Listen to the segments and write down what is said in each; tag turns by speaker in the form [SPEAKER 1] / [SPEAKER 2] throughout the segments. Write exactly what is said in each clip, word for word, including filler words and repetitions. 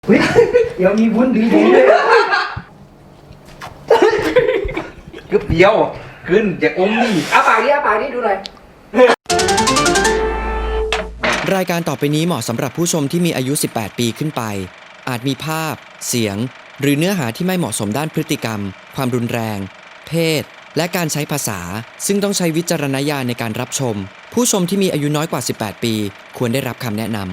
[SPEAKER 1] เดี๋ยวมีวุ้นดีๆเลยกึบเดียวขึ้นจะอมนี่อ้าปากนี่อ้าปากนี่ดูหน่อย
[SPEAKER 2] รายการต่อไปนี้เหมาะสำหรับผู้ชมที่มีอายุสิบแปดปีขึ้นไปอาจมีภาพเสียงหรือเนื้อหาที่ไม่เหมาะสมด้านพฤติกรรมความรุนแรงเพศและการใช้ภาษาซึ่งต้องใช้วิจารณญาณในการรับชมผู้ชมที่มีอายุน้อยกว่าสิบแปดปีควรได้รับคำแนะนำ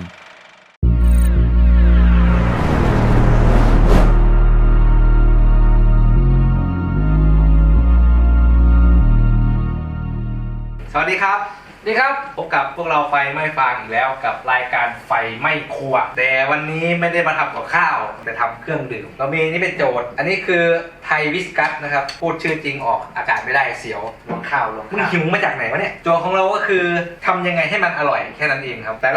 [SPEAKER 1] สวัสดีครับสวัสดีครับพบกับพวกเราไฟไม่ฟางอีกแล้วกับรายการไฟไม่ครัวแต่วันนี้ไม่ได้มาทำกับข้าวแต่ทำเครื่องดื่มเรามีนี่เป็นโจทย์อันนี้คือไทยวิสกัสนะครับพูดชื่อจริงออกอากาศไม่ได้เสียวลงข้าวลงมึงหิวมาจากไหนวะเนี่ยโจทย์ของเราก็คือทำยังไงให้มันอร่อยแค่นั้นเองครับแต่ละ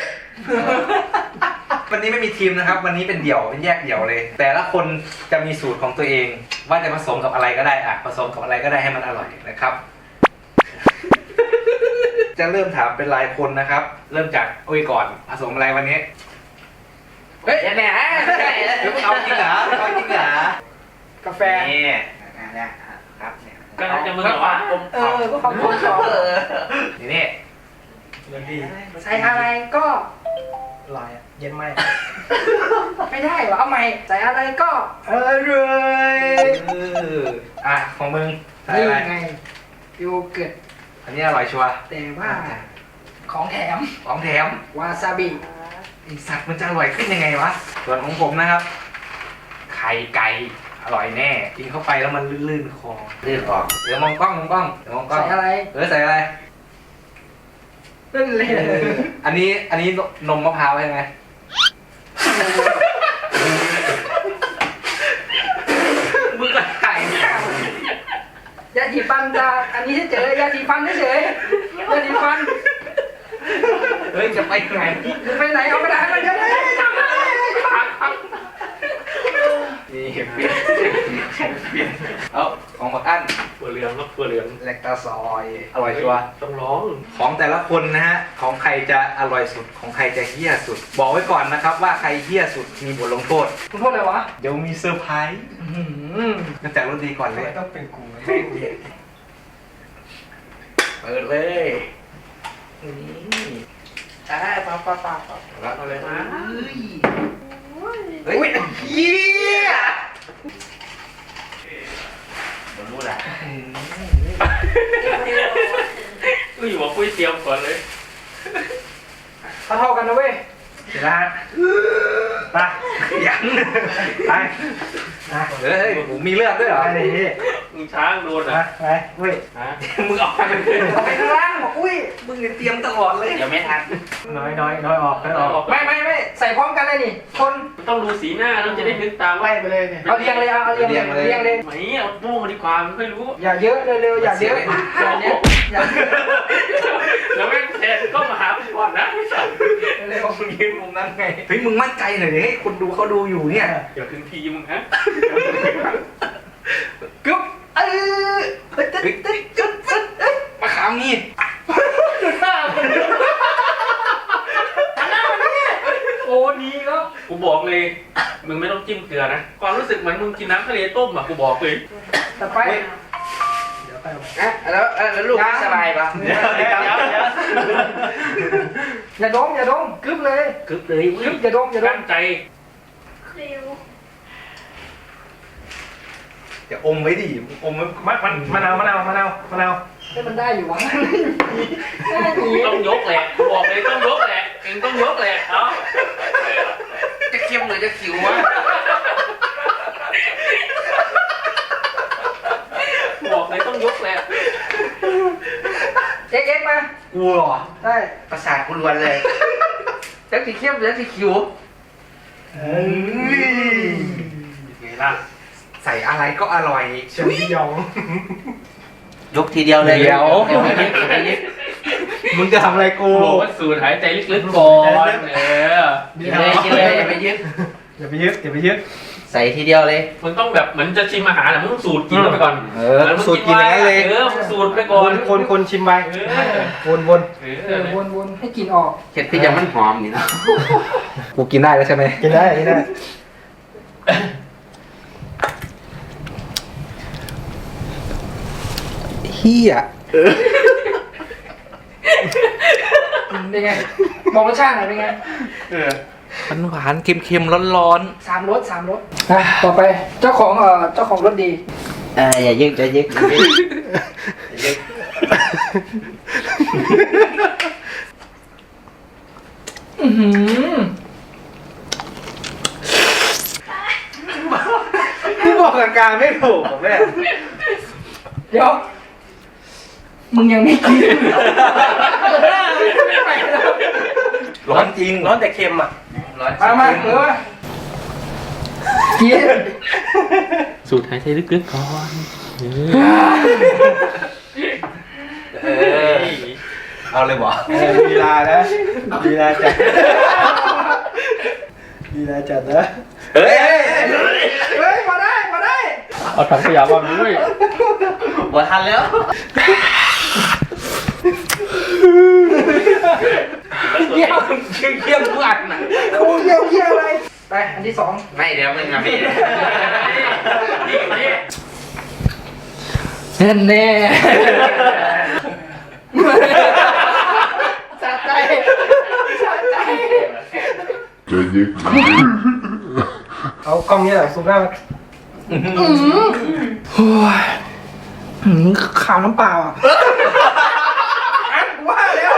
[SPEAKER 1] วันนี้ไม่มีทีมนะครับวันนี้เป็นเดี่ยวเป็นแยกเดี่ยวเลยแต่ละคนจะมีสูตรของตัวเองว่าจะผสมกับอะไรก็ได้อะผสมกับอะไรก็ได้ให้มันอร่อยนะครับ จะเริ่มถามเป็นรายคนนะครับเริ่มจากโอ้ยก่อนผสมอะไรวันนี้เฮ้ยแหมเดี๋ยวเอาจริงเหรอเอาจริงเหรอกาแฟนี่นะครับเนี่ย
[SPEAKER 3] ก็จะมึงเหรอวะ
[SPEAKER 1] เออก็ความกลมกล่อมนี่นี่เรื่องดีใส่อะไรก็อร่อยเย็นไหมไม่ได้หรอเอาใหม่ใส่อะไรก็อร่อยอ่ะของมึงใส่อะไรไงโยเกิร์ตอันนี้อร่อยชัวร์แต่ว่าของแถมของแถมวาซาบิไอสัตว์มันจะอร่อยขึ้นยังไงวะส่วนของผมนะครับไข่ไก่อร่อยแน่กินเข้าไปแล้วมันลื่นๆคอลื่นออกเดี๋ยวมองกล้องมองกล้องเดี๋ยวมองกล้องใส่อะไรเออใส่อะไรลื่นเลยอันนี้อันนี้นมมะพร้าวใช่ไหมมึงก็ไข่ยาสีฟันจะอันนี้เฉยๆยาสีฟันเฉยๆยาสีฟันเฮ้ยจะไปไหนไปไหนเอาไปไหนมันจะได้นี่เปลี่ยนเปลี่ยนเอาของบักอั้น
[SPEAKER 3] ถั่วเหลืองครับถั่วเหลือง
[SPEAKER 1] แลคตาซอยอร่อยชัวร์
[SPEAKER 3] ต้องร้อง
[SPEAKER 1] ของแต่ละคนนะฮะของใครจะอร่อยสุดของใครจะเฮี้ยสุดบอกไว้ก่อนนะครับว่าใครเฮี้ยสุดมีบทลงโทษลงโทษอะไรวะเดี๋ยวมีเซอร์ไพรส์ตั้งแต่รถดีก่อนเลยต้องเป็นกูไม่เดียเปิดเลยนี่อ่าปั๊บปั๊บปั๊บปั๊บแล้วเอาเลยนะเฮ้ยเฮี้ยมันรู้แหละ
[SPEAKER 3] กูอยู่ว่าปุ้ยเตรียมก่อนเลย
[SPEAKER 1] เท่าเท่ากันนะเว้ยเดี๋ยวนะไปยังไปเฮ้ยผมมีเลือดด้วยเหรอไอ้นี่
[SPEAKER 3] มึงช้างโดนอ่ะ
[SPEAKER 1] ไปเว้ย
[SPEAKER 3] ฮะมึงออกไปเลย
[SPEAKER 1] เอาไปข้างล่างบอกอุ้ยมึงเตรียมตลอดเลย
[SPEAKER 3] เดี๋ยวไม่ทัน
[SPEAKER 1] น้อยน้อยน้อยออกน้อยออกไม่ไม่ไม่ใส่พร้อมกันเลยนี่คน
[SPEAKER 3] ต้องดูสีหน้าแล้วจะได้นึกตาม
[SPEAKER 1] ไล่ไปเลยเนี่ยเอาเรียงเลยเอาเรียงเลยเรียงเลย
[SPEAKER 3] ไหมเอาโป้งดีกว่าไม่ค่อยรู้
[SPEAKER 1] อย่าเยอะเร็วๆอย่าเยอะอย่าเยอะอย่า
[SPEAKER 3] แล้วแม่งแทนก็มาหาก่อนนะไม่ใช่
[SPEAKER 1] เร็วมึงยืนมุมนั้นไงเฮ้ยมึงมั่นใจหน่อยดิให้คนดูเขาดูอยู่เนี่ย
[SPEAKER 3] เดี๋ยวถึงทีมึงฮะ
[SPEAKER 1] กึ๊บเออตึ๊ดตึ๊ดตึ๊ดตึ๊ดตึ๊ดมาขามนี่ดูหน้ามันหน้ามันเนี่ยโอ้ดีแล้ว
[SPEAKER 3] กูบอกเลยมึงไม่ต้องจิ้มเกลือนะความรู้สึกเหมือนมึงกินน้ำทะเลต้มอ่ะกูบอกเลย
[SPEAKER 1] ต่อไปเดี๋ยวไปอ่ะแล้วแล้วลูกสบายปะเดี๋ยวเดี๋ยวอย่าดมอย่าดมกึ๊บเลย
[SPEAKER 3] กึ๊บเลย
[SPEAKER 1] กึ๊บอย่าดมอย่าด
[SPEAKER 3] ตั้
[SPEAKER 1] ม
[SPEAKER 3] งใจ
[SPEAKER 1] อย่าอมไว้ดิอมมันมันมะนาวมะนาวมะนาวมะนาวให้มันได้อยู่วะได้อยู่
[SPEAKER 3] ต้องยกแหละกูบอกเลยต้องยกแหละเองต้องยกแหละเนาะจะเค็มหรือจะขิววะบอกเลยต้องยกแหละ
[SPEAKER 1] เอ็กเอ็กมากูหรอได้ประสาทกูรวนเลยแล้วสีเข้มแล้วสีขิวเฮ้ยไงล่ะใส่อะไรก็อร่อยเชียวยกทีเดียวเลยเดี๋ยวมึงจะทำอะไรกู
[SPEAKER 3] บอกว่าสูดหายใจลึกๆก่อนเออ
[SPEAKER 1] กินเลยกินเลยอย่าไปยึดอย่าไปยึดอย่าไปยึด
[SPEAKER 4] ใส่ทีเดียวเลย
[SPEAKER 3] มึงต้องแบบเหมือนจะชิมอาหารอะมึงต้องสูตรกินเข้าไปก่อน
[SPEAKER 4] เออสูตรกินอย่างนั้นเลย
[SPEAKER 3] เออมึงสูตรไปก่อ
[SPEAKER 1] คน นคนคนชิมไป
[SPEAKER 3] เออ
[SPEAKER 1] วนวน
[SPEAKER 3] เอ
[SPEAKER 1] เออ
[SPEAKER 3] อ
[SPEAKER 1] วนวนให้กลินออก
[SPEAKER 4] เห็ดที่จะมันหอมนี่นะกูกินได้แล้วใช่ไหม
[SPEAKER 1] กินได้กินได้เฮียเป็นไงบอกรสชาติหน่อยเป็นไง
[SPEAKER 4] มันหวานเค็มๆร้อน
[SPEAKER 1] สามรสสามรสอ่ะต่อไปเจ้าของเอ่อเจ้าของรสดี
[SPEAKER 4] ๆเอออย่ายึกอย่ายึกอย่ายึกอย่ายึก
[SPEAKER 1] อือหือพี่บอกอาการไม่ถูกแม่เดี๋ยวมึงยังไม่กิน
[SPEAKER 4] ร้อนจริง
[SPEAKER 1] ร้อนแต่เค็มอ่ะ
[SPEAKER 4] ร้อน
[SPEAKER 1] มามาเออกิน
[SPEAKER 3] สูตรหายใจลึกๆก่อน
[SPEAKER 4] เออเอาเลยบ่
[SPEAKER 1] ลีลานะลีลาจัดลีลาจัดนะ
[SPEAKER 4] เฮ้ย
[SPEAKER 1] เฮ้ยมาได้มาได้
[SPEAKER 3] เอาถังขยะวางด้วย
[SPEAKER 4] หมดทันแล้ว
[SPEAKER 1] เยี่ยว
[SPEAKER 4] เยี่ยมทุกอันน่ะ
[SPEAKER 1] โอ้เยี่ยวเยี่ยวอะไรไปอันที่สอง
[SPEAKER 4] ไม่เดี๋ยวมึงอะพี่
[SPEAKER 1] แน่แน่สะใจสะใจเอากล้องนี้แหละซูมหน้ามาโอ้ยหืมข่าวน้ำเปล่าอ่ะอ่ะว่าแล้ว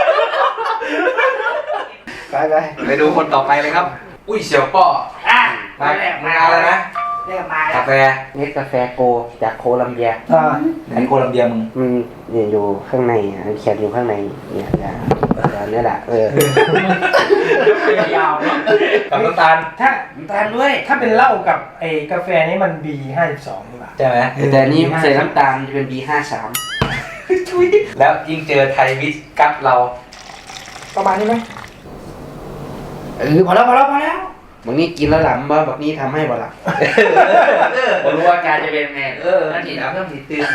[SPEAKER 1] ไปไป
[SPEAKER 4] ไปดูคนต่อไปเลยครับ อุ้ยเสี่ยวป้อ
[SPEAKER 1] อ่ะ
[SPEAKER 4] มามาเอาเลยนะ
[SPEAKER 1] เรียกมาแล้
[SPEAKER 4] กาว แฟเนสกาแฟโกจากโคลัมเบีย
[SPEAKER 1] อ่า
[SPEAKER 4] ไหนโคลัมเบียมึงมันเนี่ยอยู่ข้างในอ่ะเขียนอยู่ข้างในเนี่ยนะเนี่ยแหละเออ
[SPEAKER 3] ยาวเนาะ
[SPEAKER 4] กับน้ำตาล
[SPEAKER 1] ถ้า
[SPEAKER 4] น้ำตาลด้วย
[SPEAKER 1] ถ้าเป็นเหล้ากับไอ้กาแฟนี่มัน บี ห้าสิบสองนี่หว่า
[SPEAKER 4] ใช่ไหมแต่อันนี้ใส่น้ำตาลจะเป็น บี ห้าสาม แล้วยิ่งเจอไทยวิสกัปเรา
[SPEAKER 1] ประมาณนี้ไหมเออพอแล้วพอแล้วพอแล้ว
[SPEAKER 4] บางนี้กินแล้วหลับบ่บางนี้ทำให้บ่หลับผมรู้ว่าการจะเป็นไงเออนั่นนี่แล้วต้องติดตื่น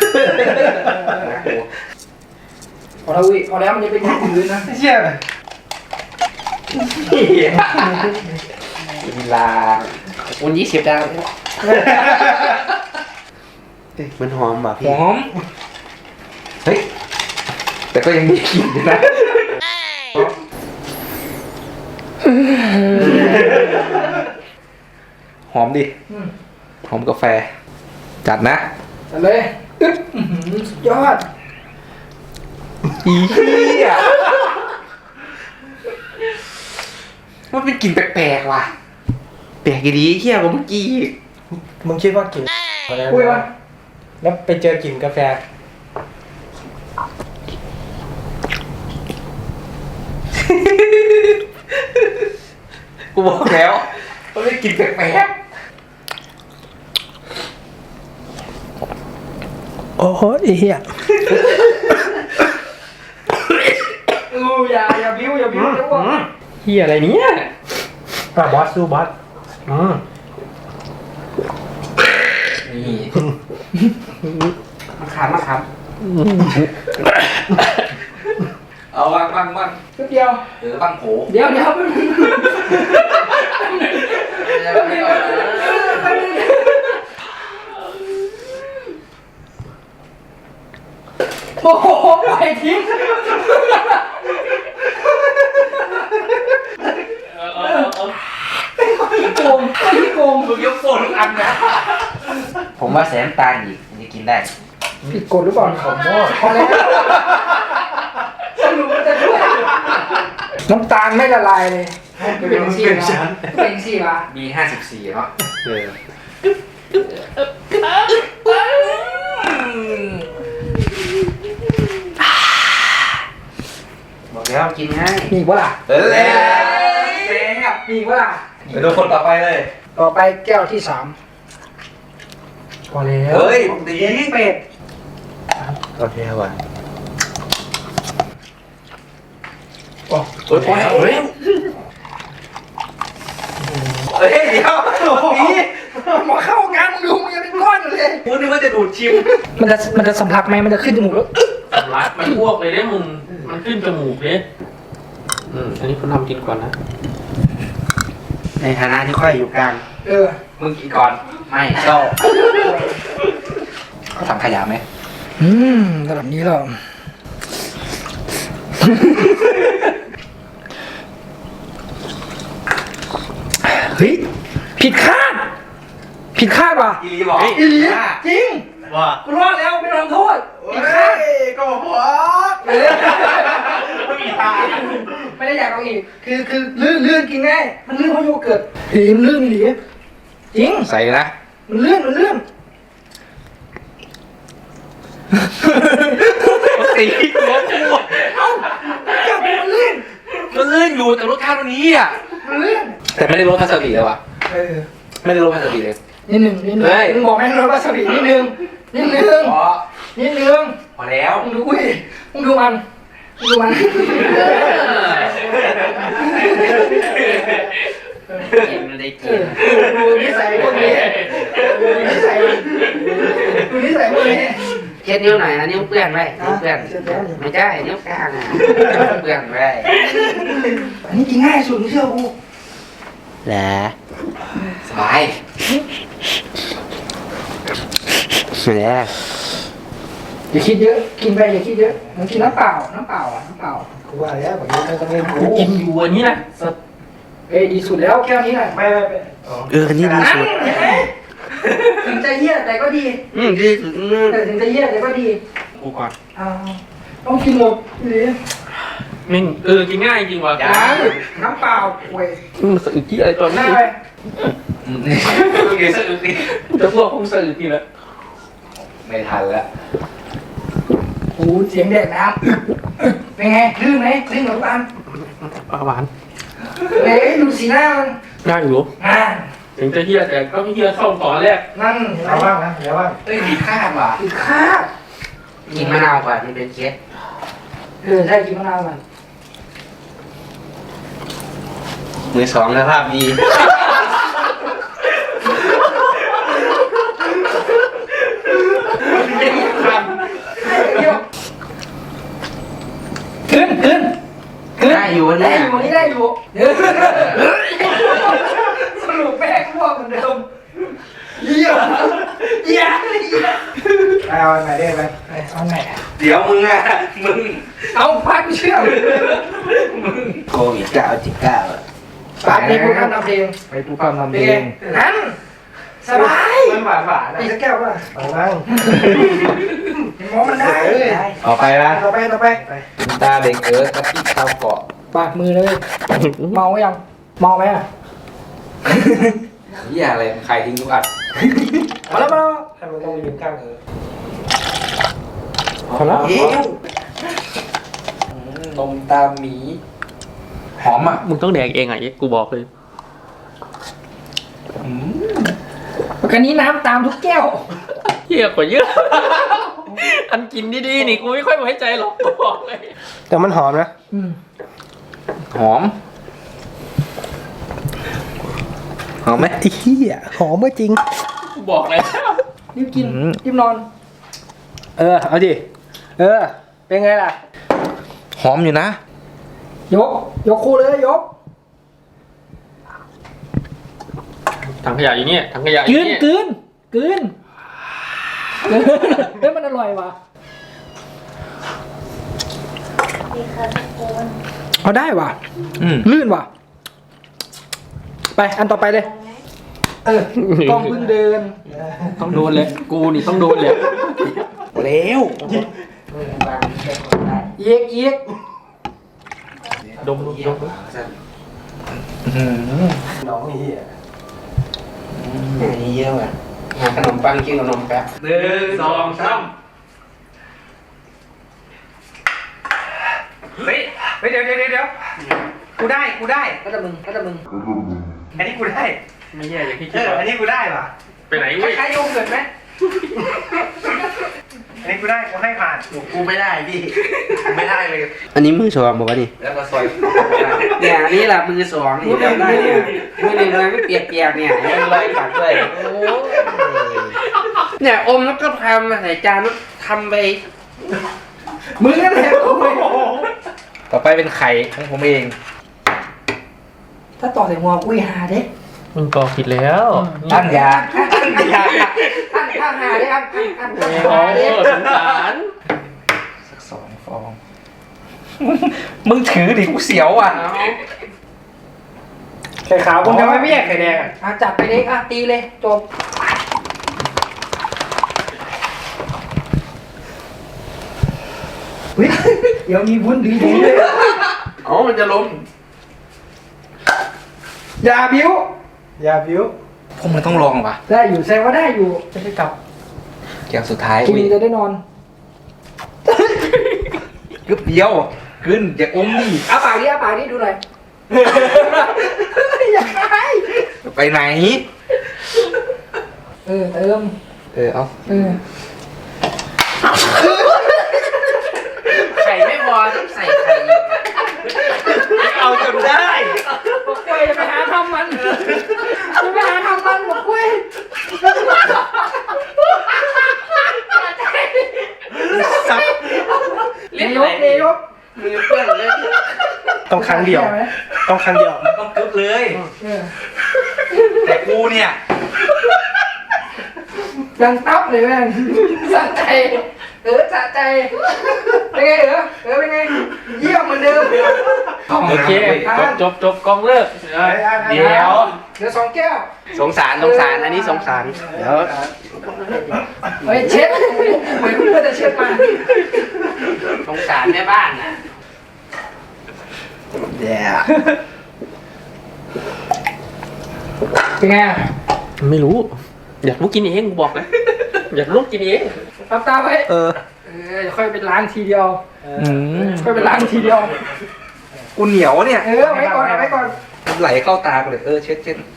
[SPEAKER 1] พอแล้วอุ้ยพอแล้วมันจะเป็นอย่างอื่นนะเชี่ย
[SPEAKER 4] เวลาวันยี่สิบดาวมันหอมป่ะพี่
[SPEAKER 1] หอม
[SPEAKER 4] เฮ้ยแต่ก็ยังมีกลิ่นอยู่นะหอมดิหอมกาแฟจัดนะ
[SPEAKER 1] จัดเลยอึ๊บอื้อหือสุดยอด
[SPEAKER 4] อีเหี้ยมันเป็นกลิ่นแปลกๆว่ะแปลกดีเหี้ยกว่าเมื่อกี้อีก
[SPEAKER 1] มึงคิดว่ากลิ่นคุยวะแล้วไปเจอกลิ่นกาแฟ
[SPEAKER 4] กูบอกแล้วมันเป็นกลิ่นแปลก
[SPEAKER 1] โอ้โหไอ้เหี้ยอู้อย่าอย่าบิ้วอย่าบิ้วเดี๋ยวว่า
[SPEAKER 3] เฮียอะไรเนี่ย
[SPEAKER 1] อ่ะบอสสู้บอสอืม
[SPEAKER 4] ๆนี่มาขามมาขามเอาวางวางวาง
[SPEAKER 1] แป๊บเดียว
[SPEAKER 4] เออบ้างโผ
[SPEAKER 1] เดี๋ยวเดี๋ยวแป๊บนึงโอ้โหปล่อยทิ้งโกงไม่โกง
[SPEAKER 4] มึงยกโฟนทุกอันนะผมว่าแสนตาลอีกมันจะกินได้
[SPEAKER 1] ผิดกฎหรือเปล่าขอโทษพอแล้วสรุปว่าจะด้วยน้ำตาลไม่ละลายเลยเป็นสี่นะเป็นสี่ปะ
[SPEAKER 4] มีห้าสิบสี่เนาะเออบอกแล้วกินง่าย
[SPEAKER 1] มีอีกวะล่ะ
[SPEAKER 4] เออแล้วแซ่บ
[SPEAKER 1] มีอีกวะล่ะ
[SPEAKER 4] ไปดูคนต่อไปเลย
[SPEAKER 1] ต่อไปแก้วที่สามพอแล้ว
[SPEAKER 4] เฮ้ยดี
[SPEAKER 1] เย็นเป็ด
[SPEAKER 4] โอเคว่ะ
[SPEAKER 1] โอ้
[SPEAKER 4] เฮ้ยเฮ้ยเฮ้ยเดี๋ยวดี
[SPEAKER 1] หมอเข้าห้องน้ำมึงดูมึงยังเป็นก้อนอยู่เลย
[SPEAKER 3] กูนึกว่าจะดูดชิม
[SPEAKER 1] มันจะมันจะสำลักไหมมันจะขึ้นจมูกแล้ว
[SPEAKER 3] สำลักมันอ้วกเลยเนี่ยมึงมันขึ้นจมูกเลยอืมอันนี้คุณทำกินก่อนนะ
[SPEAKER 4] ในฐานะที่ค่อยอยู่กลาง
[SPEAKER 1] เออ
[SPEAKER 4] มึงกินก่อนไม่ชอบเขาทำขยะไหม
[SPEAKER 1] อืมระดับนี้หรอเฮ้ยผิดคาด ผิดคาดว่ะ
[SPEAKER 4] อีลีบอก
[SPEAKER 1] อีหลีจริง
[SPEAKER 3] ว่า
[SPEAKER 1] กูรอดแล้วไม่ต้องโทษผิดคาด
[SPEAKER 4] ก็บอก
[SPEAKER 3] ไม่มีทาง
[SPEAKER 1] ไม่ได้อยากเอาอีก คือคือลื่นลื่นกินง่าย มันลื่นเพราะโยเกิร์ตเฮ้ยมันลื่นดีจริง
[SPEAKER 4] ใส่นะ
[SPEAKER 1] มันลื่นมันลื่น
[SPEAKER 3] ตีหัวกู
[SPEAKER 1] เอ้าจับมันลื่น
[SPEAKER 4] มันลื่นอยู่แต่รสชาติวันนี้อ่ะ
[SPEAKER 1] มันลื่น
[SPEAKER 4] แต่ไม่ได้รสพาสบีเลยว่ะ
[SPEAKER 1] เออ
[SPEAKER 4] ไม่ได้รสพาสบีเลย
[SPEAKER 1] นิดหนึ่งนิดหนึ่ง
[SPEAKER 4] เฮ้ย
[SPEAKER 1] มึงบอกให้เราวาซาบินิดหนึ่งนิดหนึ่ง
[SPEAKER 4] พอ
[SPEAKER 1] นิดหนึ่ง
[SPEAKER 4] พอแล้ว
[SPEAKER 1] มึงดูอุ้ยมึงดูมันมึงดูมัน
[SPEAKER 4] กินมันได้
[SPEAKER 1] เอ
[SPEAKER 4] กิน
[SPEAKER 1] อดูนิสัยพวกนี้ดูนิสัยดูนิสัยพวกนี้
[SPEAKER 4] เช็ดนิ้วหน่อยนะนิ้วเปื้อนไว้นิ้วเปื้อนไม่ใช่นิ้วกลางอ่ะเปื้อนไว้
[SPEAKER 1] อันนี้กินง่ายสุดมึงเชื่อกู
[SPEAKER 4] แหละสบายแหละ
[SPEAKER 1] อย่าคิดเยอะกินไปอย่าคิดเยอะมึงกินน้ำเปล่าน้ำเปล่าอ่ะน้ำเปล่ากูว่าแล้วแบบนี้ไม่ต้องเล่น
[SPEAKER 3] กูกินอยู่อันนี้นะสด
[SPEAKER 1] เอ้ยดีสุดแล้วแก้วนี้น่ะไม่ไม่ไม่
[SPEAKER 4] เอออันนี้ดีสุด
[SPEAKER 1] เห็นไหมถึงจะเหี้ยแต่ก็ดี
[SPEAKER 4] อืมดีสุดอืม
[SPEAKER 1] แต่ถึงจะเหี้ยแต่ก็ดี
[SPEAKER 3] กูก่อน
[SPEAKER 1] อ้าวต้องกินหมดหรือ
[SPEAKER 3] มิ่งเออกินง่ายจริงว่ะ
[SPEAKER 1] น้ำน้ำเปล่าเว้ย
[SPEAKER 3] มันสะอึกที่อะไรตอน
[SPEAKER 1] หน้า
[SPEAKER 3] นี้
[SPEAKER 1] ไป
[SPEAKER 4] เดี๋ยวสะอึกดิ
[SPEAKER 3] จะพวกคงสะอึกที่แล้ว
[SPEAKER 4] ไม่ทันแล้ว
[SPEAKER 1] โอ้เสียงแดดน้ำเป็นไงลื่นไหมลื่นเหมือนกัน
[SPEAKER 3] ปลาหวาน
[SPEAKER 1] เฮ้ยดูสีหน้ามัน
[SPEAKER 3] ง่ายอยู่
[SPEAKER 1] อ่า
[SPEAKER 3] ถึงจะเฮียแต่ก็ไม่เฮียเข้าตอนแรก
[SPEAKER 1] นั่นเห็นไหม
[SPEAKER 5] เอาบ้างนะเดี๋ยวบ้าง
[SPEAKER 4] เอ้ยมีค่าว่ะ
[SPEAKER 1] อีกข้าว
[SPEAKER 4] กินมะนาวก่อนมันเป็นเคส
[SPEAKER 1] เออใช่กินมะนาวมัน
[SPEAKER 4] มือสองแล้วภาพดี
[SPEAKER 1] เดี๋ยวขึ้นขึ้นขึ้น
[SPEAKER 4] ได้อยู่
[SPEAKER 1] ได้
[SPEAKER 4] เนี่ย
[SPEAKER 1] อยู่วันนี้ได้อยู่เออสรุปแม่งพวกเหมือนเดิมเยี่ยมเยี่ยมเยี่ยม
[SPEAKER 5] เอาอันไหนได้ไหม
[SPEAKER 1] ไปเอาไง
[SPEAKER 4] เดี๋ยวมึงอ่ะมึง
[SPEAKER 1] เอาพักเชื่อม
[SPEAKER 4] โควิดเก้าจิบเก้าอ่ะ
[SPEAKER 1] ปากในพวกทำทำเพลง
[SPEAKER 5] ไปปูความทำ
[SPEAKER 1] เป็
[SPEAKER 5] เพ
[SPEAKER 1] น
[SPEAKER 5] ล
[SPEAKER 1] ไง
[SPEAKER 5] ง
[SPEAKER 1] นั้นสบาย
[SPEAKER 5] มันหวานหวาน
[SPEAKER 1] อีกสักแก้วป่ะ
[SPEAKER 5] เอาบ้าง
[SPEAKER 1] หมอมันได้
[SPEAKER 4] ออกไปละ
[SPEAKER 1] ต่อไปต่อไป
[SPEAKER 4] ตาเด็กเอ๋อกะทิข้าวเกาะ
[SPEAKER 1] ปากมือเลย เมายังเมาไหมอ่ะ
[SPEAKER 4] เหี้ยอะไรใครทิ้งทุกอัน
[SPEAKER 1] มาแล้วมาแล้ว
[SPEAKER 5] ให้มันต้องยืนข้างเออ
[SPEAKER 1] พอแล้ว
[SPEAKER 4] เอ้นมตาหมี หอมอ่ะ
[SPEAKER 3] มึงต้องแดกเองอ่ะกูบอกเลย
[SPEAKER 1] กันนี้น้ำตามทุกแก้ว
[SPEAKER 3] เฮียกว่าเยอะ อันกินดีๆนี่กูไม่ค่อยไว้ใจหรอกกูบอกเลย
[SPEAKER 5] แต่มันหอมนะ
[SPEAKER 1] อืม
[SPEAKER 4] หอม หอมไหม
[SPEAKER 5] ไอ้เหี้ยหอมก็จริง
[SPEAKER 3] กูบอกเลย
[SPEAKER 1] รีบกิน
[SPEAKER 5] อืม
[SPEAKER 1] รีบนอน
[SPEAKER 5] เออเอาดิเออเป็นไงล่ะ
[SPEAKER 4] หอมอยู่นะ
[SPEAKER 1] ยก ยกคู่เลยยก
[SPEAKER 3] ถังขยะอยู่เนี่ยถังขยะอก
[SPEAKER 1] ลื
[SPEAKER 3] ยู่
[SPEAKER 1] น
[SPEAKER 3] เนี่ย
[SPEAKER 1] กลืนกลืนกลืนเฮ้ยมันอร่อยว่ะเอาได้ว่ะ
[SPEAKER 4] อืม
[SPEAKER 1] ลื่นว่ะ ไปอันต่อไปเลย เออกล้องเพิ่งเดิน
[SPEAKER 3] ต้องโดนเลย กูนี่ต้องโดนเลย
[SPEAKER 4] เร็ว
[SPEAKER 1] เอียกเอียก
[SPEAKER 3] ดมดมดม
[SPEAKER 5] น้องเหี้ย
[SPEAKER 4] อันนี้เยอะอ่ะหาขนมปังกินขนมแป๊บ
[SPEAKER 3] หนึ่งสองสามเฮ้ยเฮ้ยเดี๋ยวเดี๋ยวเดี๋ยวกูได้กูได้
[SPEAKER 1] ก็จะมึงก็จะมึง
[SPEAKER 3] อันนี้กูได้ ไม่แย่อย่างที่
[SPEAKER 5] เอ
[SPEAKER 3] คิด
[SPEAKER 5] อ
[SPEAKER 3] ว่า
[SPEAKER 5] อันนี้กูได้ป่ะ
[SPEAKER 3] ไปไหน
[SPEAKER 1] ค
[SPEAKER 3] เว้ย
[SPEAKER 1] ล้ายๆโยเกิร์ตไหมอันนี้กูได้กูให้ผ่าน
[SPEAKER 4] กูไม่ได้พี่
[SPEAKER 3] ไม่ได้เลย
[SPEAKER 4] อันนี้มือสองบอกว่านี่
[SPEAKER 3] แล้วก็ซอย
[SPEAKER 4] เนี่ยอันนี้แหละมือสองนี่จำได้เนี่ยมือหนึ่งเลยไม่เปียกเปียกๆเนี่ยยังรอยขัดด้วยโอ้ยเนี่ยอมแล้วก็ทำมาใส่จานแล้วทำไป
[SPEAKER 1] มึงนั่นแหละกูไม่
[SPEAKER 3] ต่อไปเป็นไข่ของผมเอง
[SPEAKER 1] ถ้าต่อใส่หัวกูหาเด้
[SPEAKER 3] มึงก็ผิดแล้ว
[SPEAKER 4] ท่านยา
[SPEAKER 1] ท่านหาท่านท่านหาเด้ครับท่านท่าน
[SPEAKER 3] โอ้
[SPEAKER 1] หาเด้
[SPEAKER 3] สงสารสักสองฟองมึงถือดิกูเสียวอ่ะ
[SPEAKER 1] ไข่ขาวคุณทำไมไม่แยกไข่แดงอ่ะจัดไปเลยอ่ะตีเลยจบเฮ้ยเดี๋ยวมีวุ้นดีดีเลย
[SPEAKER 4] อ๋อมันจะล้ม
[SPEAKER 1] อย่าบิ้วอย่าบิ้ว
[SPEAKER 3] พวกมึงต้องลองว่ะ
[SPEAKER 1] ได้อยู่แสดงว่าได้อยู่จะได้กลับ
[SPEAKER 3] แก้วสุดท้าย
[SPEAKER 1] กินจะได้นอน
[SPEAKER 3] กึบเดียวขึ้นอย่าอมดิ
[SPEAKER 1] เอาปากนี้เอาปากนี้ดูหน่อยอย่าคาย
[SPEAKER 3] ไปไหน
[SPEAKER 1] เออเติม
[SPEAKER 3] เออเอา
[SPEAKER 1] เออ
[SPEAKER 4] ไข่ไม่พอต้องใส่ไข่อีก
[SPEAKER 3] เอาจนได้
[SPEAKER 1] บอกกล้วยจะไปหาทำมันจะไปหาทำมันบอกกล้วย
[SPEAKER 3] ซับ
[SPEAKER 1] เลี้ยงยกเลี้ยงยก
[SPEAKER 4] มือเปื้อนเลย
[SPEAKER 5] ต้องครั้งเดียว ต้องครั้งเดียว
[SPEAKER 3] ต้องกึบเลย
[SPEAKER 1] เออ
[SPEAKER 3] แต่กูเนี่ย
[SPEAKER 1] ยังตับเลยแม่งสะใจเออสะใจเป็นไงเออเออเป็นไงเยี่ยมเหมือนเดิม
[SPEAKER 3] โอเคจบจบจบกองเลิกเดี๋ยว
[SPEAKER 1] เดี๋ยวสองแก้ว
[SPEAKER 4] สงสารสงสารอันนี้สงสารเดี๋ยว
[SPEAKER 1] เฮ้ยเช็ดเหมือนเพื่อนจะเช็ดมา
[SPEAKER 4] สงสารแม่บ้านน่ะเดี๋ยว
[SPEAKER 1] เป็นไงอ่ะ
[SPEAKER 3] ไม่รู้ อยากรู้กินเองกูบอกเลยอยากรู้กินเอง
[SPEAKER 1] ตับตาไว้
[SPEAKER 3] เออ
[SPEAKER 1] เออเดี๋ยวค่อยเป็นล้างทีเดียว
[SPEAKER 3] อืม
[SPEAKER 1] ค่อยเป็นล้างทีเดียว
[SPEAKER 3] กูเหนียวเนี่ย
[SPEAKER 1] เออเอาไว้ก่อนเอาไว้ก่อน
[SPEAKER 3] ไหลเข้าตากูเลยเออเช็ดเช็ด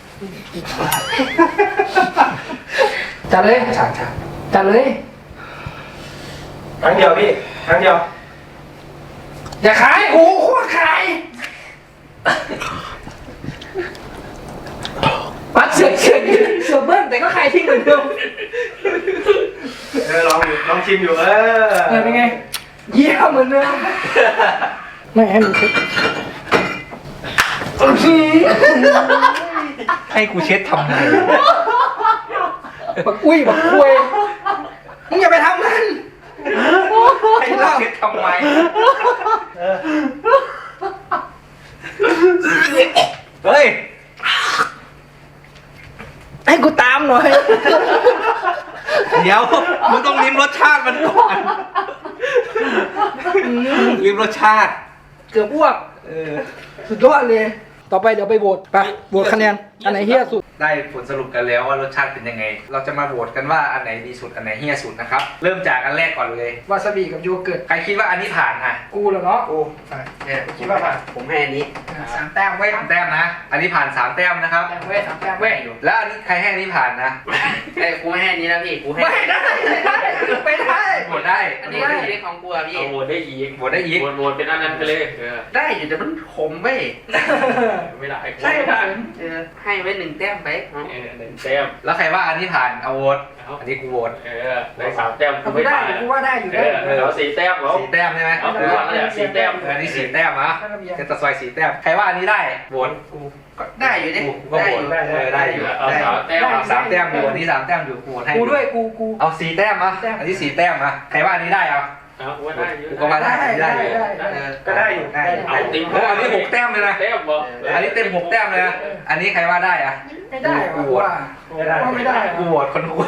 [SPEAKER 1] จัดเลย
[SPEAKER 3] ฉากฉาก
[SPEAKER 1] จัดเลย
[SPEAKER 5] ครั้งเดียวพี่ครั้งเดียว
[SPEAKER 1] อย่าขายโอ้โหโคตรขายปัดเสือกเสือกเสือกเบิ้ลแต่ก็ขายทิ้งเหมือนเดิม
[SPEAKER 5] เออลองอยู่ลองชิมอยู่เออ
[SPEAKER 1] เออเป็นไงเยี่ยมเหมือนเดิมไม่ให้มึงเช็ด
[SPEAKER 3] ให้กูเช็ดทำไม
[SPEAKER 1] บักอุ้ยบักคุยมึงอย่าไปทำมัน
[SPEAKER 3] ให้เราเช็ดทำไมเฮ้ย
[SPEAKER 1] ให้กูตามหน่อย
[SPEAKER 3] เดี๋ยวมึงต้องลิ้มรสชาติมันก่อนลิ้มรสชาติ
[SPEAKER 1] เกือบอ้วก
[SPEAKER 3] เออ
[SPEAKER 1] สุดยอดเลย ต่อไปเดี๋ยวไปโหวตไปโหวตคะแนน อันไหนเฮี้ยสุด
[SPEAKER 3] ได้ผลสรุปกันแล้วว่ารสชาติเป็นยังไง เราจะมาโหวตกันว่าอันไหนดีสุดอันไหนเฮี้ยสุดนะครับ เริ่มจากอันแรกก่อนเลย
[SPEAKER 1] วาซาบิกับโยเกิร์ต
[SPEAKER 3] ใครคิดว่าอันนี้ผ่านอ่ะ
[SPEAKER 1] กูเหรอเนาะ
[SPEAKER 3] โอ้เนี่ย
[SPEAKER 1] คิดว่าผ่าน
[SPEAKER 4] ผมให้อันนี้
[SPEAKER 1] อ่ะสามแต้มไว้ย
[SPEAKER 3] สามแต้มนะ อันนี้ผ่านสามแต้มนะครับ
[SPEAKER 1] แต้มไว้ยสามแต้มไว้ย
[SPEAKER 3] แล้วอันนี้ใครให้อันนี้ผ่านนะ
[SPEAKER 4] ไอ้ยกูไม่ให้อันนี้นะพี่กูให้
[SPEAKER 1] ไม่ได้ไม่ได้ไม่ได้
[SPEAKER 3] โหวตได้
[SPEAKER 4] อันนี้ก็ชีวิตของกูอะพี่
[SPEAKER 6] เอาโหวตได้อีก
[SPEAKER 3] โหวตได้อีก
[SPEAKER 6] โหวตโหวตเป็นอันนั้นไปเลยเออ
[SPEAKER 4] ได้อยู่แต่มันขมเว้ย
[SPEAKER 6] ไม่ได้
[SPEAKER 1] ใช่
[SPEAKER 6] ไม่
[SPEAKER 1] ผ
[SPEAKER 6] ได้
[SPEAKER 1] ม
[SPEAKER 4] เออให้ไว้หนึ่งแต้มไปเอา
[SPEAKER 6] เออหนึ่งแต้ม
[SPEAKER 3] แล้วใครว่าอันนี้ผ่านเอาโหวต
[SPEAKER 6] เอา
[SPEAKER 3] อันนี้กูโหวต
[SPEAKER 6] เออได้สามแต้ม
[SPEAKER 1] กู
[SPEAKER 6] ไม่
[SPEAKER 1] ได้
[SPEAKER 6] ได้
[SPEAKER 1] กูว่าได้อยู่
[SPEAKER 6] เอ
[SPEAKER 1] ได้
[SPEAKER 6] อเอาสี่แต้มเหรอ
[SPEAKER 3] สี่แต้มใช่ไหม
[SPEAKER 6] เอา
[SPEAKER 3] เอ
[SPEAKER 6] กู
[SPEAKER 3] อ
[SPEAKER 6] ว่าเนี่ยสี่แต้ม
[SPEAKER 3] เอออันนี้สี่แต้มนะเจตสวยสี่แต้ม ใครว่าอันนี้ได้โหวต
[SPEAKER 4] ก็ได้อยู่ดิ
[SPEAKER 3] กูก็
[SPEAKER 4] ได้
[SPEAKER 3] โหว
[SPEAKER 4] อ
[SPEAKER 3] ต
[SPEAKER 4] ยู่
[SPEAKER 3] ได้เออได้อยู่
[SPEAKER 6] เอา
[SPEAKER 3] ได้
[SPEAKER 6] สามแต้ม
[SPEAKER 3] เอาสามแต้มอยู่อันนี้สามแต้มอยู่กูโหวตให้
[SPEAKER 1] กูด้วยกูกู
[SPEAKER 3] เอาสี่แต้มอ่ะอันนี้สี่แต้มอ่ะใครว่าอันนี้ได้เอา
[SPEAKER 6] เอาว่าได้อยู่
[SPEAKER 3] กูก็ว่าได้อันนี้ได้อยู่
[SPEAKER 1] ได้ได้
[SPEAKER 3] เออ
[SPEAKER 5] ก็ได้อยู่
[SPEAKER 3] ได้อยู่
[SPEAKER 6] เอาติ๊ง
[SPEAKER 3] โอ้อันนี้หกแต้มเลยนะ
[SPEAKER 6] แต้มเหรอ
[SPEAKER 3] อันนี้เต็มหกแต้มเลยนะอันนี้ใครว่าได้อ่ะ
[SPEAKER 1] ไม่ได้ว่ะกูว่า
[SPEAKER 5] ไม่ได้
[SPEAKER 1] ว่าไม่ได้
[SPEAKER 3] กูโหวตคนกู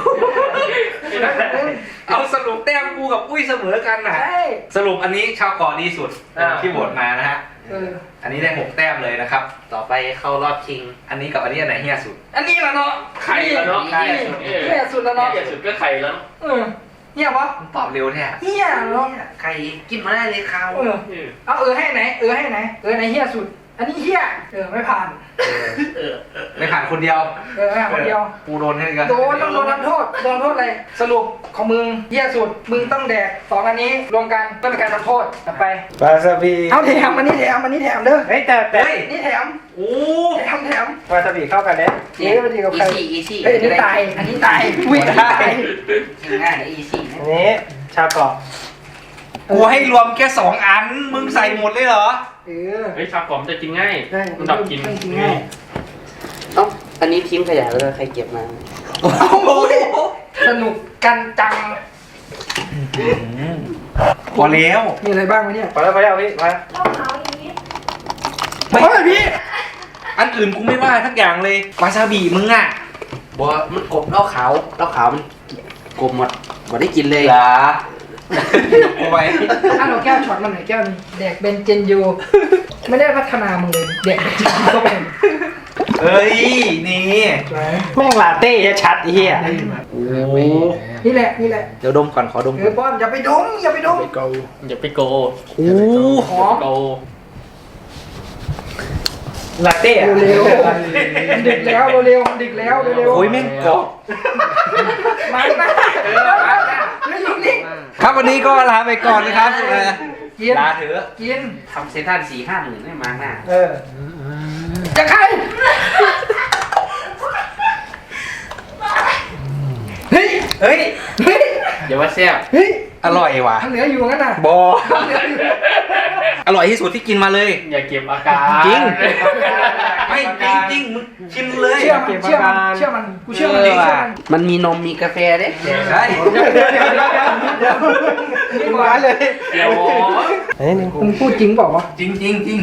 [SPEAKER 3] เอาสรุปแต้มกูกับอุ้ยเสมอกันน่ะ
[SPEAKER 1] ใช่
[SPEAKER 3] สรุปอันนี้ชาวเกาะดีสุด
[SPEAKER 5] อ่า
[SPEAKER 3] ที่โหวตมานะฮะ
[SPEAKER 1] เออ
[SPEAKER 3] อันนี้ได้หกแต้มเลยนะครับ
[SPEAKER 4] ต่อไปเข้ารอบชิง
[SPEAKER 3] อันนี้กับอันนี้อันไหนเฮี้ยสุด
[SPEAKER 1] อันนี้แหละเนาะ
[SPEAKER 6] ไข่แล้วเนาะ
[SPEAKER 4] ไข่
[SPEAKER 6] เออ
[SPEAKER 1] เฮี้ยสุดแล้วเนาะ
[SPEAKER 6] เหี้ยสุดก็ไข่แล้ว
[SPEAKER 1] เออเฮี้ยปะ
[SPEAKER 3] ตอบเร็วแท้
[SPEAKER 1] เฮี้ยเนาะ
[SPEAKER 4] ไข่กินมาได้เลยข้าว
[SPEAKER 1] เออ
[SPEAKER 6] เออ
[SPEAKER 1] เอาเออให้ไหนเออให้ไหนเออไหนเฮี้ยสุดอันนี้เฮียเออไม่ผ่าน
[SPEAKER 3] ไม่ผ่านคนเดียว
[SPEAKER 1] เออไม่ผ่านคนเดียว
[SPEAKER 3] กูโดนให้กัน
[SPEAKER 1] โดนต้องโดนทำโทษโดนโทษอะไรสรุปของมึงเหี้ยสุดมึงต้องแดกสองอันนี้รวมกันเพื่อเป็นการทำโทษต่อไป
[SPEAKER 5] วาซาบิ
[SPEAKER 1] เอาแถมอันนี้แถมอันนี้แถมเด้อ
[SPEAKER 5] เฮ้ยแต่แต่
[SPEAKER 3] เฮ้ย
[SPEAKER 1] นี่แถม
[SPEAKER 3] โอ้
[SPEAKER 1] แถมแถม
[SPEAKER 5] วาซาบิเข้ากันเนี่ย
[SPEAKER 1] เจ๊ไปดีกับ
[SPEAKER 4] อี
[SPEAKER 1] ใคร
[SPEAKER 4] ซี่อีซี่
[SPEAKER 1] เฮ้ยอันนี้ตายอันนี้ตายอุ้ยอันนี้ตาย
[SPEAKER 4] ง่ายอีซี่
[SPEAKER 5] อันนี้ชาเกาะ
[SPEAKER 3] กูให้รวมแค่สองอัน มึงใส่หมดเลยเหรอ
[SPEAKER 1] เออ
[SPEAKER 6] เฮ้ยชาขอมจะกินง่าย
[SPEAKER 1] ได้
[SPEAKER 6] มันดับกิน
[SPEAKER 1] ไม่กินง่าย
[SPEAKER 4] เอ้าอันนี้ทิ้งขยะแล้วใครเก็บมา
[SPEAKER 3] โอ้โห
[SPEAKER 1] สนุกกันจัง
[SPEAKER 3] พอแล้ว
[SPEAKER 1] มีอะไรบ้างวะเนี่ย
[SPEAKER 5] พอแล้วพอแล้วพี่มา
[SPEAKER 3] ไม่
[SPEAKER 1] เฮ้ยพี่
[SPEAKER 3] อันอื่นกูไม่ว่าทักอย่างเลยวาซาบิมึงอ่ะ
[SPEAKER 4] บัวมันกบเหล้าขาวเหล้าขาวมันกบหมดบ่ได้กินเลย
[SPEAKER 3] เหรอกูไป
[SPEAKER 1] อ่ะเราแก้วช็อตมันหน่อยแก้วนึงแดกเบนเจนยูไม่ได้พัฒนามึงเลยแดกเบนเจนยูก็เป็น
[SPEAKER 3] เอ้ย นี่
[SPEAKER 5] แม่งลาเต้ชัดๆไอ้เฮีย
[SPEAKER 3] โอ้โห
[SPEAKER 1] นี่แหละนี่แหละ
[SPEAKER 3] เดี๋ยวดมก่อนขอดม
[SPEAKER 1] เอ
[SPEAKER 3] ก่
[SPEAKER 1] อ
[SPEAKER 3] อน
[SPEAKER 1] ป้อมอย่าไปดมอย่าไปดม
[SPEAKER 6] อย่าไปโก
[SPEAKER 3] โอ้
[SPEAKER 1] หอม
[SPEAKER 6] โก
[SPEAKER 5] ลาเต้อะ
[SPEAKER 1] เร็วๆดึกแล้วเร็วๆดึกแล้วเร็วๆ
[SPEAKER 3] โหแม่งกรอบ
[SPEAKER 1] มาหน้าเออมาหน้าแล้วอยู่นิ่ง
[SPEAKER 3] ครับวันนี้ก็ลาไปก่อนนะครับเออ
[SPEAKER 1] กิน
[SPEAKER 3] ลาเถอะ
[SPEAKER 1] กิน
[SPEAKER 4] ทำเซนทันสี่ห้าหมื่นไม่มาหน้า
[SPEAKER 1] เออจะใครเฮ้ย
[SPEAKER 3] เฮ้ย
[SPEAKER 1] เฮ้ย
[SPEAKER 4] อย่าว่าแซ่บ
[SPEAKER 1] เฮ้ย
[SPEAKER 3] อร่อยว่ะ
[SPEAKER 1] ทางเหนืออยู่งั้นน่ะ
[SPEAKER 3] บอ
[SPEAKER 1] ทางเหนืออยู่
[SPEAKER 3] อร่อยที่สุดที่กินมาเลย
[SPEAKER 6] อย่าเก็บอาการ
[SPEAKER 3] จริง ไม่จริงจริงมึงชิมเลย
[SPEAKER 1] เชื่อมันเชื่อมันเชื่อมันกูเชื่อมันเชื่อมัน
[SPEAKER 4] มันมีนมมีกาแฟเด้
[SPEAKER 3] ใช่
[SPEAKER 1] เดี๋ยวเดี๋ยวเดี๋ยวเดี๋ยวเดี๋ยวนี่หวานเลย
[SPEAKER 6] เดี๋ยว
[SPEAKER 5] อันนี้หนึ่ง
[SPEAKER 1] มึงพูดจริงเปล่าวะ
[SPEAKER 3] จริงจริงจริง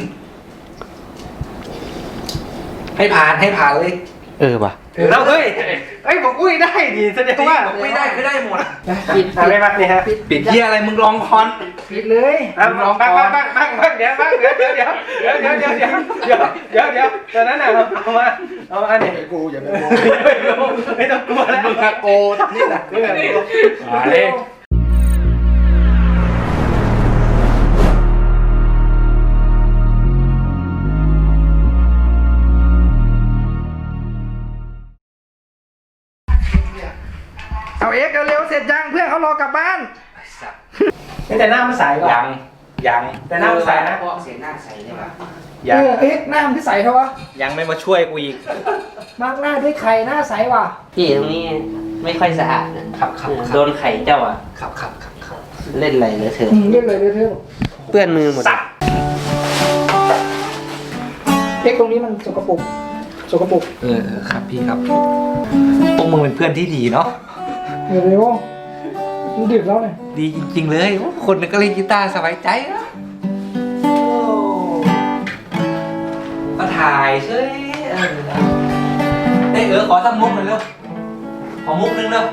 [SPEAKER 3] ให้ผ่านให้ผ่านเลย
[SPEAKER 4] เออป่ะ
[SPEAKER 3] แล้วเฮ้ย
[SPEAKER 5] เอ้ยบอกอุ้ยได้ดีแสดงว่า
[SPEAKER 3] บอกไม่ได้คือได้หมด
[SPEAKER 1] ปิด
[SPEAKER 5] อ่ะไม่มานี่ฮะ
[SPEAKER 1] ปิด
[SPEAKER 3] ปิดเยี่ยอะไรมึงลองคอน
[SPEAKER 1] ปิดเลย
[SPEAKER 5] อ่ะลองบ้างบ้างบ้างบ้างบ้างเดี๋ยวบ้างเดี๋ยวเดี๋ยวเดี๋ยวเดี๋ยวเดี๋ยวเดี๋ยวเดี๋ยวเดี๋ยวเดี๋ยวตอนนั้นน่ะเอามาเอามาเนี่ยกูอย่าไปกลัวไม่ต้องกลัวแล้ว
[SPEAKER 3] มึงอะโกทำนี่แหละ
[SPEAKER 6] มาเลย
[SPEAKER 1] เอาเอ็กซ์เร็วๆเสร็จยังเพื่อนเขารอกลับบ้าน
[SPEAKER 5] แต่หน้ามันใสกว่า
[SPEAKER 3] ยังยัง
[SPEAKER 5] แต่หน้ามันใสนะ
[SPEAKER 4] เพราะเสียงหน้าใสเลยป่ะ
[SPEAKER 3] ยั
[SPEAKER 1] เอง อเอ็กซ์หน้ามันที่ใสเท่าวะ
[SPEAKER 3] ยังไม่มาช่วยกูอีก
[SPEAKER 1] มาร์กหน้าด้วยไข่หน้าใสว่ะ
[SPEAKER 4] พี่ตรงนี้ไม่ค่อยสะอาดนะครับ
[SPEAKER 3] ครับ
[SPEAKER 4] โดนไข่เจ้าอ่ะ
[SPEAKER 3] ครับครับครับครับ
[SPEAKER 4] เล่นอะไรเลยเธอะ
[SPEAKER 1] อืมเรียกเลยเรียกเลย
[SPEAKER 4] เปื้อนมือหมด
[SPEAKER 3] สับ
[SPEAKER 1] เอ็กซ์ตรงนี้มันสกปรกสกปรก
[SPEAKER 3] เออครับพี่ครับพวกมึงเป็นเพื่อนที่ดีเนาะ
[SPEAKER 1] เร็วๆมันดึกแล้วเนี่ย
[SPEAKER 3] ดีจริงๆเลยคนนึงก็เล่นกีตาร์สบายใจนะมาถ่ายเฉยเออเอ้ยเออขอสักมุกหน่อยเร็วขอมุกนึงเร็ว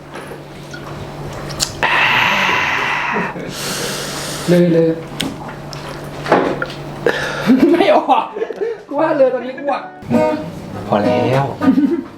[SPEAKER 1] เลยเลย ไม่ออกกูว่าเลยตอนนี้กูอ่ะ
[SPEAKER 3] พอแล้ว